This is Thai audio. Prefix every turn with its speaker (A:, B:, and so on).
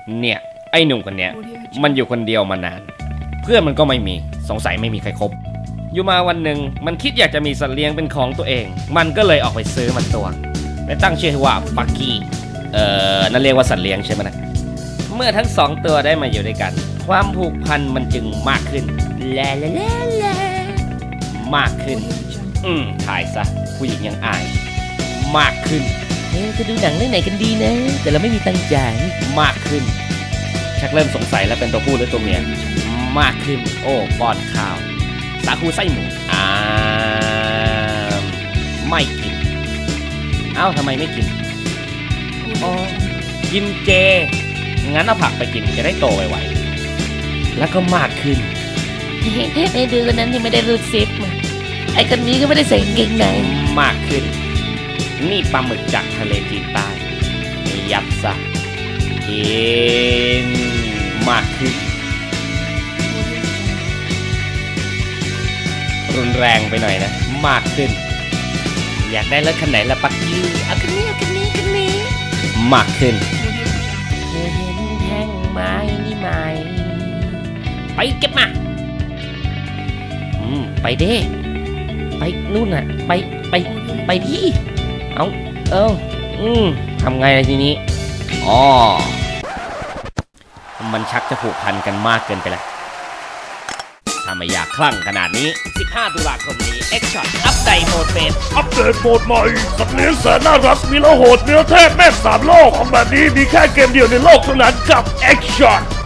A: เนี่ยไอ้หนุ่มคนเนี้ยมันอยู่คนเดียวมานาน เพื่อนมันก็ไม่มีสงสัยไม่มีใครคบอยู่มาวันหนึ่งมันคิดอยากจะมีสัตว์เลี้ยงเป็นของตัวเองมันก็เลยออกไปซื้อมันตัวและตั้งชื่อว่าปักกี้นั่นเรียกว่าสัตว์เลี้ยงใช่ไหมนะเมื่อทั้งสองตัวได้มาอยู่ด้วยกันความผูกพันมันจึงมากขึ้นแล่มากขึ้นถ่ายซะผู้หญิงยังอายมากขึ้น
B: จะดูหนังเรื่องไหนกันดีนะแต่เราไม่มีตังค์จ่าย
A: มากขึ้นชักเริ่มสงสัยแล้วเป็นตัวผู้หรือตัวเมียมากขึ้นโอ้ป้อนข้าวสาคูไส้หมูไม่กินเอ้าทำไมไม่กินอ๋อกินเจงั้นเอาผักไปกินจะได้โตไวๆแล้วก็มากขึ้น
B: ไอ้ดูคนนั้นยังไม่ได้รูดซิปไอ้คนนี้ก็ไม่ได้ใส่กางเกงใน
A: มากขึ้นนี่ปลาหมึกจากทะเลจีนใต้ยับซะกินมากขึ้นรุนแรงไปหน่อยนะมากขึ้นอยากได้รถคันไหนละปักกี้
B: เอาคันนี้
A: มากขึ้น
B: เธอเห็นแท่งไม้นี่ไหม
A: ไปเก็บมา
B: ไปเด้ไปนู่นน่ะไปที่
A: ทำไงทีนี้มันชักจะผูกพันกันมากเกินไปแล้วถ้าไม่อยากคลั่งขนาดนี้15 ตุลาคมนี้ X-Shot อัปเดตโหมดเป็น
C: อัปเดตโหมดใหม่สัตว์เลี้ยงแสนน่ารักมีละโหดเนื้อเทพแม่3 โลกของแบบนี้มีแค่เกมเดียวในโลกเท่านั้นกับ X-Shot